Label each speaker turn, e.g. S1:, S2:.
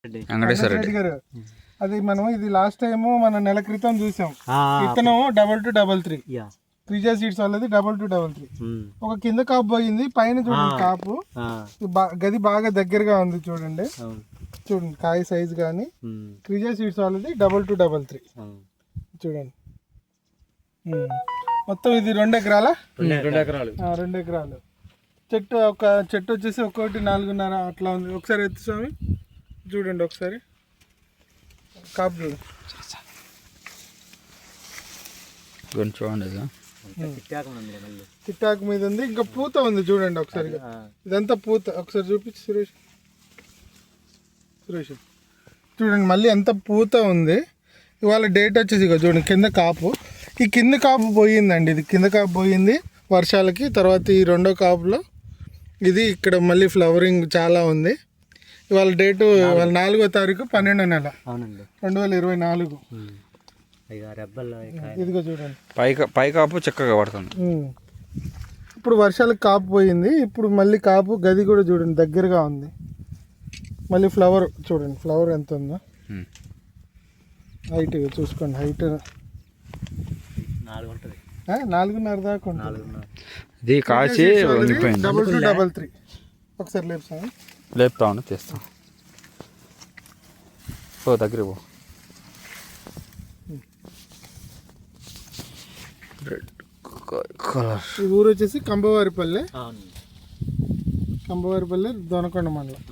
S1: వెంకటేశ్వర రెడ్డి గారు.
S2: అది మనం ఇది లాస్ట్ టైం మన నెల క్రితం చూసాం. విత్తనం 2233 క్రిజా సీడ్స్ వాళ్ళది 2233. ఒక కింద కాపు పోయింది, పైన చూడండి కాపు గది బాగా దగ్గరగా ఉంది. చూడండి చూడండి కాయ సైజ్ కానీ క్రిజా సీడ్స్ వాళ్ళది 2233 చూడండి. మొత్తం ఇది 2 ఎకరాల 2 ఎకరాలు చెట్టు. ఒక చెట్టు వచ్చేసి ఒక్కొక్కటి 4.5 అట్లా ఉంది. ఒకసారి ఎత్తు స్వామి చూడండి, ఒకసారి కాపు
S1: చూడండి.
S2: తిట్టాకు మీద ఉంది, ఇంకా పూత ఉంది చూడండి ఒకసారి. ఇదంతా పూత ఒకసారి చూపించి సురేష్. చూడండి మళ్ళీ ఎంత పూత ఉంది. ఇవాళ డేట్ వచ్చేసి ఇక చూడండి కింద కాపు. ఈ కింద కాపు పోయిందండి, ఇది కింద కాపు పోయింది వర్షాలకి. తర్వాత ఈ రెండో కాపులో ఇది ఇక్కడ మళ్ళీ ఫ్లవరింగ్ చాలా ఉంది. ఇవాళ డేటు ఇవాళ 4వ తారీఖు 12వ నెల 2024. ఇదిగో చూడండి
S1: పై కాపు చక్కగా పడుతుంది.
S2: ఇప్పుడు వర్షాలకు కాపు పోయింది, ఇప్పుడు మళ్ళీ కాపు గది కూడా చూడండి దగ్గరగా ఉంది. మళ్ళీ ఫ్లవర్ చూడండి, ఫ్లవర్ ఎంత ఉందో. హైట్ చూసుకోండి, హైట్ 4.5 దాకా ఉంటుంది.
S1: ఇది కాచి
S2: 2233. ఒకసారి లేపుతాను,
S1: లేపుతా ఉన్నా చేస్తాం. ఓ దగ్గర పో. Red colour.
S2: ఈ ఊరు వచ్చేసి కంబవారిపల్లె, దొనకొండ మండలం.